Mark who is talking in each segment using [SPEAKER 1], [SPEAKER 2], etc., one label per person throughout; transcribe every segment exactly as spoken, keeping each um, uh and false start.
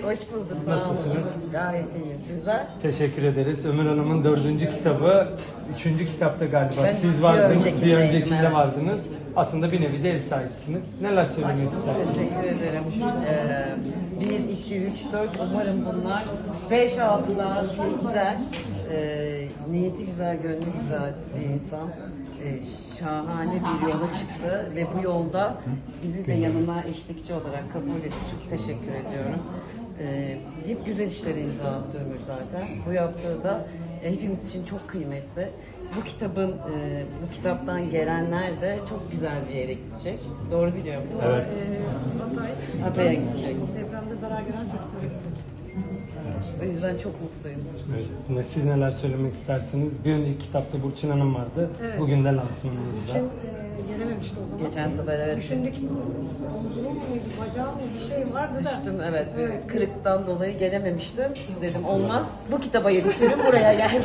[SPEAKER 1] Hoş bulduk. Sağ
[SPEAKER 2] Nasılsınız?
[SPEAKER 1] olun. Gayet iyiyim. Sizler?
[SPEAKER 2] Teşekkür ederiz. Ömür Hanım'ın dördüncü kitabı, üçüncü kitapta galiba
[SPEAKER 1] Ben
[SPEAKER 2] siz
[SPEAKER 1] bir
[SPEAKER 2] vardınız,
[SPEAKER 1] öncekindeydim,
[SPEAKER 2] bir öncekinde
[SPEAKER 1] evet.
[SPEAKER 2] vardınız. Aslında bir nevi de ev sahibisiniz. Neler söylemek istersiniz?
[SPEAKER 1] Teşekkür ederim. Ee, bir, iki, üç, dört. Umarım bunlar beş, altılar gider. Ee, niyeti güzel, gönlü güzel bir insan. Ee, şahane bir yola çıktı ve bu yolda bizi de yanına eşlikçi olarak kabul etti. Çok teşekkür ediyorum. Ee, hep güzel işlere imza attı Ömür zaten. Bu yaptığı da e, hepimiz için çok kıymetli. Bu kitabın, e, bu kitaptan gelenler de çok güzel bir yere gidecek. Doğru biliyorum değil mi?
[SPEAKER 2] Evet.
[SPEAKER 3] Hatay,
[SPEAKER 1] Hatay'a gidecek.
[SPEAKER 3] depremde zarar gören çocuklara gidecek.
[SPEAKER 1] O yüzden çok mutluyum.
[SPEAKER 2] Evet. Ne- Siz neler söylemek istersiniz? Bir önceki kitapta Burçin Hanım vardı.
[SPEAKER 3] Evet.
[SPEAKER 2] Bugün de lansmanınızda.
[SPEAKER 3] Şimdi e, gelememişti o zaman.
[SPEAKER 1] Geçen sefer evet.
[SPEAKER 3] Düşündük, omzunun muydu, bacağı mı bir şey vardı da.
[SPEAKER 1] Düştüm evet, bir kırıktan dolayı gelememiştim. Dedim olmaz, bu kitaba yetişirim, buraya geldim.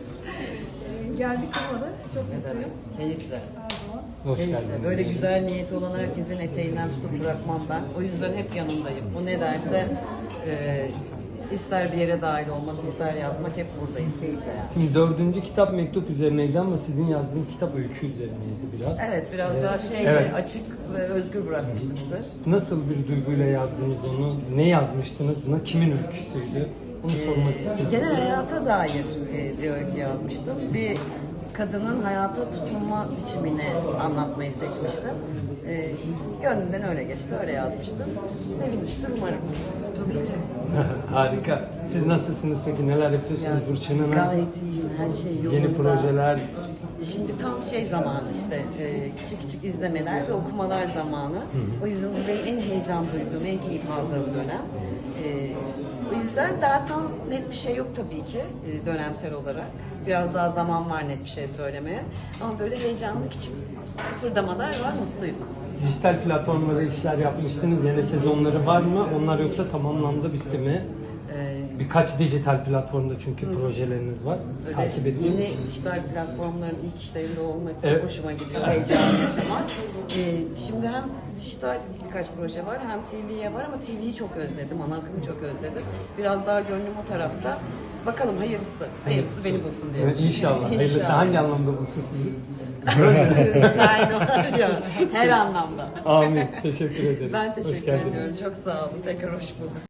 [SPEAKER 3] E, geldik olmadı. Çok mutluyum.
[SPEAKER 1] Keyifle.
[SPEAKER 3] Her zaman.
[SPEAKER 2] Hoş
[SPEAKER 1] Keyifle.
[SPEAKER 2] geldiniz.
[SPEAKER 1] Böyle güzel niyeti olan herkesin eteğinden tutup bırakmam ben. O yüzden hep yanındayım. O ne derse, e, ister bir yere dahil olmak, ister yazmak, hep buradayım. Keyifle yani.
[SPEAKER 2] Şimdi dördüncü kitap mektup üzerineydi ama sizin yazdığınız kitap öykü üzerineydi biraz.
[SPEAKER 1] Evet, biraz daha şeydi,
[SPEAKER 2] Evet.
[SPEAKER 1] açık ve özgür bırakmıştı bizi.
[SPEAKER 2] Nasıl bir duyguyla yazdınız onu? Ne yazmıştınız? Ne kimin öyküsüydü? Onu sormak istiyorum.
[SPEAKER 1] Genel hayata dair e, bir öykü yazmıştım. Bir kadının hayata tutunma biçimini anlatmayı seçmiştim. E, gönlümden öyle geçti, öyle yazmıştım. Sevinmiştir umarım. Tabii ki.
[SPEAKER 2] Harika. Siz nasılsınız peki? Neler yapıyorsunuz Burçin Hanım?
[SPEAKER 1] Gayet iyiyim, her şey yolunda.
[SPEAKER 2] Yeni projeler.
[SPEAKER 1] Şimdi tam şey zamanı işte, e, küçük küçük izlemeler ve okumalar zamanı. O yüzden bu benim en heyecan duyduğum, en keyif aldığım dönem. E, o yüzden daha tam net bir şey yok tabii ki e, dönemsel olarak. Biraz daha zaman var net bir şey söylemeye. Ama böyle heyecanlı küçük kıpırdamalar var, mutluyum.
[SPEAKER 2] Dijital platformlarda işler yapmıştınız. Yeni sezonları var mı? Onlar yoksa tamamlandı, bitti mi?
[SPEAKER 1] E,
[SPEAKER 2] Birkaç dijital platformda çünkü projeleriniz var.
[SPEAKER 1] Böyle
[SPEAKER 2] Takip edin.
[SPEAKER 1] yeni dijital platformların ilk işlerinde olmak
[SPEAKER 2] Evet.
[SPEAKER 1] çok hoşuma gidiyor, heyecanlı yaşamak. Ee, şimdi hem dijital birkaç proje var, hem T V'ye var ama T V'yi çok özledim, ana akımı çok özledim. Biraz daha gönlüm o tarafta. Bakalım hayırlısı, hayırlısı beni bulsun diye.
[SPEAKER 2] Evet, İnşallah. Hayırlısı hangi anlamda bulsun sizi?
[SPEAKER 1] Sen var ya, her anlamda.
[SPEAKER 2] Amin. Teşekkür ederim.
[SPEAKER 1] Ben
[SPEAKER 2] Hoş
[SPEAKER 1] teşekkür
[SPEAKER 2] geldiniz.
[SPEAKER 1] ediyorum, çok sağ olun. Tekrar hoş bulduk.